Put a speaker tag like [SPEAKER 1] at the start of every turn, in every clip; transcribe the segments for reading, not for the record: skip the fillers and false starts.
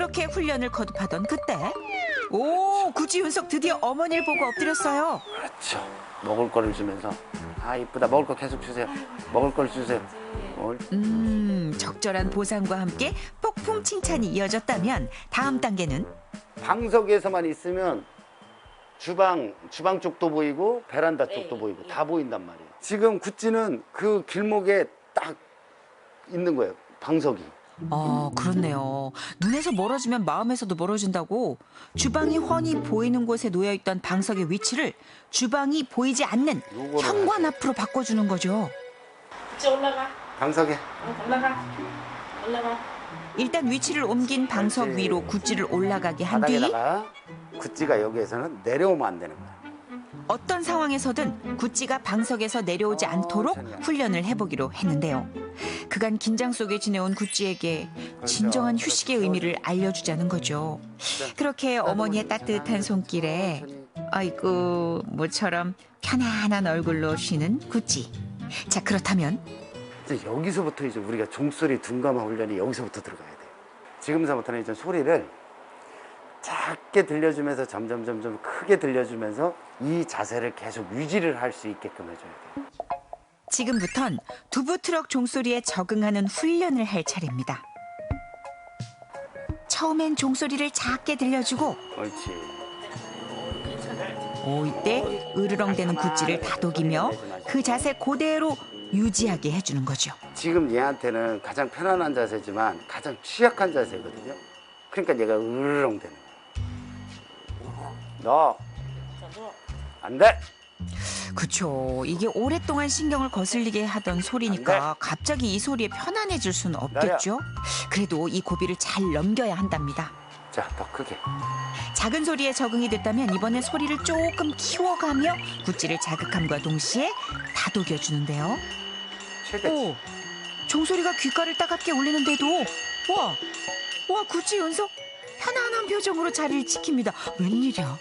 [SPEAKER 1] 그렇게 훈련을 거듭하던 그때 오, 구찌 윤석 드디어 어머니를 보고 엎드렸어요.
[SPEAKER 2] 그렇죠. 먹을 거를 주면서 아 이쁘다. 먹을 거 계속 주세요. 먹을 걸 주세요.
[SPEAKER 1] 적절한 보상과 함께 폭풍 칭찬이 이어졌다면 다음 단계는
[SPEAKER 2] 방석에서만 있으면 주방 쪽도 보이고 베란다 쪽도 보이고 다 보인단 말이에요. 지금 구찌는 그 길목에 딱 있는 거예요. 방석이.
[SPEAKER 1] 그렇네요. 눈에서 멀어지면 마음에서도 멀어진다고 주방이 훤히 보이는 곳에 놓여있던 방석의 위치를 주방이 보이지 않는 현관 앞으로 바꿔주는 거죠.
[SPEAKER 3] 이제 올라가.
[SPEAKER 2] 방석에.
[SPEAKER 3] 올라가.
[SPEAKER 1] 일단 위치를 옮긴 방석
[SPEAKER 2] 그렇지.
[SPEAKER 1] 위로 구찌를 올라가게 한 뒤
[SPEAKER 2] 바닥에다가 구찌가 여기에서는 내려오면 안 되는 거야.
[SPEAKER 1] 어떤 상황에서든 구찌가 방석에서 내려오지 않도록 훈련을 해보기로 했는데요. 그간 긴장 속에 지내온 구찌에게 진정한 휴식의 의미를 알려주자는 거죠. 그렇게 어머니의 따뜻한 손길에 아이고 모처럼 편안한 얼굴로 쉬는 구찌. 자, 그렇다면
[SPEAKER 2] 이제 여기서부터 이제 우리가 종소리 둔감화 훈련이 여기서부터 들어가야 돼요. 지금서부터는 이제 소리를 작게 들려주면서 점점 크게 들려주면서 이 자세를 계속 유지를 할 수 있게끔 해줘야 돼요.
[SPEAKER 1] 지금부턴 두부 트럭 종소리에 적응하는 훈련을 할 차례입니다. 처음엔 종소리를 작게 들려주고
[SPEAKER 2] 옳지.
[SPEAKER 1] 이때 으르렁대는 구찌를 다독이며 그 자세 그대로 유지하게 해주는 거죠.
[SPEAKER 2] 지금 얘한테는 가장 편안한 자세지만 가장 취약한 자세거든요. 그러니까 얘가 으르렁대는 거예요. 너 안 돼.
[SPEAKER 1] 그쵸. 이게 오랫동안 신경을 거슬리게 하던 소리니까 갑자기 이 소리에 편안해질 수는 없겠죠. 그래도 이 고비를 잘 넘겨야 한답니다.
[SPEAKER 2] 자, 더 크게.
[SPEAKER 1] 작은 소리에 적응이 됐다면 이번엔 소리를 조금 키워가며 구찌를 자극함과 동시에 다독여주는데요.
[SPEAKER 2] 최대치.
[SPEAKER 1] 종소리가 귓가를 따갑게 울리는데도 와 구찌 연속 편안한 표정으로 자리를 지킵니다. 웬일이야?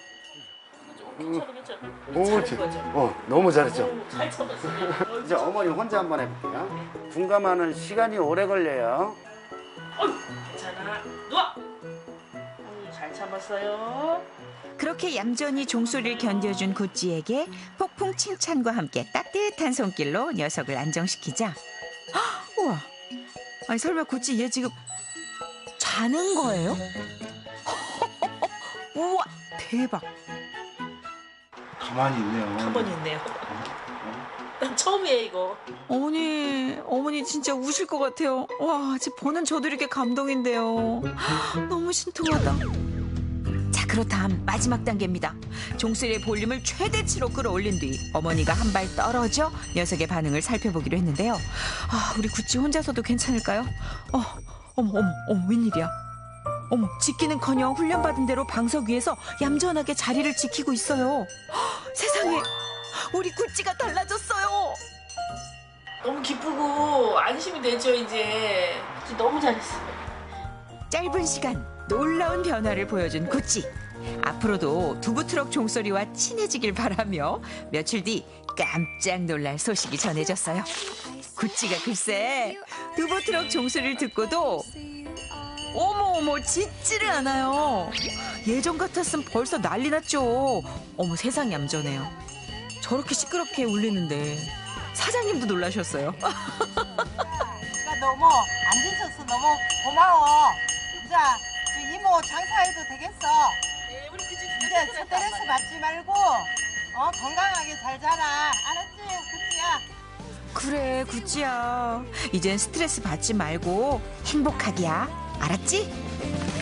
[SPEAKER 2] 옳지. 너무 잘했죠.
[SPEAKER 3] 잘 쳐봤어.
[SPEAKER 2] 이제 어머니 혼자 한번 해볼게요. 둔감하는 시간이 오래 걸려요.
[SPEAKER 3] 괜찮아. 누워. 잘 참았어요.
[SPEAKER 1] 그렇게 얌전히 종소리를 견뎌준 구찌에게 폭풍 칭찬과 함께 따뜻한 손길로 녀석을 안정시키자. 우와, 아니 설마 구찌 얘 지금 자는 거예요? 우와, 대박.
[SPEAKER 4] 가만히 있네요.
[SPEAKER 3] 가만히 있네요. 난 처음이에요 이거.
[SPEAKER 1] 어머니 진짜 우실 것 같아요. 와, 지금 보는 저도 이렇게 감동인데요. 너무 신통하다. 자, 그렇다면 마지막 단계입니다. 종소리의 볼륨을 최대치로 끌어올린 뒤 어머니가 한 발 떨어져 녀석의 반응을 살펴보기로 했는데요. 우리 구찌 혼자서도 괜찮을까요? 어머, 웬일이야? 어머, 짖기는커녕 훈련받은 대로 방석 위에서 얌전하게 자리를 지키고 있어요. 세상에, 우리 구찌가 달라졌어요.
[SPEAKER 3] 너무 기쁘고 안심이 되죠 이제. 너무 잘했어.
[SPEAKER 1] 짧은 시간 놀라운 변화를 보여준 구찌. 앞으로도 두부트럭 종소리와 친해지길 바라며 며칠 뒤 깜짝 놀랄 소식이 전해졌어요. 구찌가 글쎄 두부트럭 종소리를 듣고도 어머 짖지를 않아요. 예전 같았으면 벌써 난리 났죠. 어머, 세상 얌전해요. 저렇게 시끄럽게 울리는데 사장님도 놀라셨어요.
[SPEAKER 5] 나 너무 안 지쳤어. 너무 고마워. 자, 이모 장사해도 되겠어.
[SPEAKER 3] 네, 우리 그치
[SPEAKER 5] 이제 스트레스 받지 말고 건강하게 잘 자라. 알았지? 그치야?
[SPEAKER 1] 그래, 구찌야. 이젠 스트레스 받지 말고 행복하기야. 알았지?